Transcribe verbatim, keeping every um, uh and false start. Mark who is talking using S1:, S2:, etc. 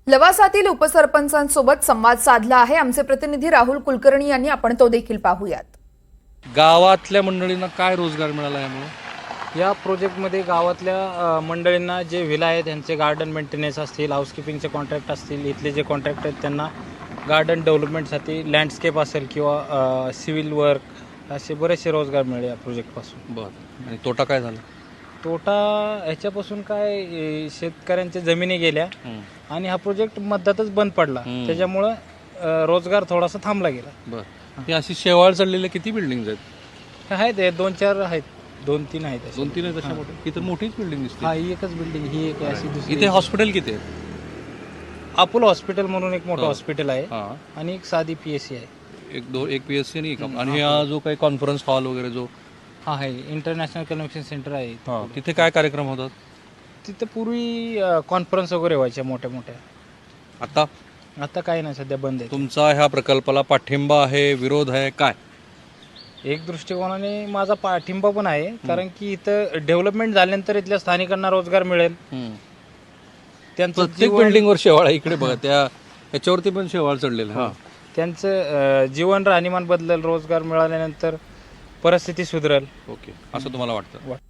S1: लवासातील उपसरपंचांसोबत संवाद साधला आहे आमचे प्रतिनिधी राहुल कुलकर्णी यांनी, आपण तो देखील पाहूयात.
S2: गावातल्या मंडळींना काय रोजगार मिळाला यामुळे?
S3: या प्रोजेक्टमध्ये गावातल्या अ, मंडळींना जे व्हिला आहेत त्यांचे गार्डन मेंटेनन्स असतील, हाऊसकीपिंगचे कॉन्ट्रॅक्ट असतील, इथले जे कॉन्ट्रॅक्ट आहेत त्यांना गार्डन डेव्हलपमेंटसाठी लँडस्केप असेल किंवा सिव्हिल वर्क असे बरेचसे रोजगार मिळाले या प्रोजेक्टपासून.
S2: बरं. आणि तोटा काय झाला?
S3: तोटा ह्याच्यापासून काय ए, शेतकऱ्यांच्या जमिनी गेल्या आणि हा प्रोजेक्ट मध्यातच बंद पडला,
S2: हम्म.
S3: त्याच्यामुळं अ, रोजगार थोडासा थांबला गेला.
S2: बरं. ही अशी शेवाळ चढलेल्या किती बिल्डिंग आहेत?
S3: आहेत हे दोन चार आहेत, दोन तीन आहेत असे.
S2: दोन तीन आहेत अशा मोठ्या? ही तर मोठीच बिल्डिंग दिसते.
S3: हा, ही एकच बिल्डिंग, ही एक आहे, अशी दुसरी.
S2: इथे हॉस्पिटल किती आहे?
S3: अपोलो हॉस्पिटल म्हणून एक मोठं
S2: हो.
S3: हॉस्पिटल आहे
S2: हां.
S3: आणि एक साधी पी एस सी आहे.
S2: एक दो एक पी एस सी आणि एक
S3: हम्म,
S2: आणि हा जो काही कॉन्फरन्स हॉल वगैरे जो
S3: हा आहे इंटरनॅशनल कन्व्हेन्शन सेंटर आहे.
S2: हां, तिथे काय कार्यक्रम होतात?
S3: तिथे पूर्वी कॉन्फरन्स वगैरे व्हायच्या मोठ्या मोठ्या.
S2: आता
S3: आता काही नाही, सध्या बंद आहे.
S2: तुमचा ह्या प्रकल्पाला पाठिंबा आहे, विरोध आहे, काय?
S3: एक दृष्टिकोनाने माझा पाठिंबा पण आहे, कारण की इथं डेव्हलपमेंट झाल्यानंतर इथल्या स्थानिकांना रोजगार मिळेल. त्यांचं
S2: प्रत्येक
S3: जीवन-
S2: बिल्डिंगवर शेवाळ आहे. इकडे बघा, त्या ह्याच्यावरती पण शेवाळ चढलेलं आहे. हां.
S3: त्यांचं अ, जीवन राहणीमान बदलेल, रोजगार मिळाल्यानंतर परिस्थिती सुधरेल.
S2: ओके, असं तुम्हाला वाटतं?
S3: वाट-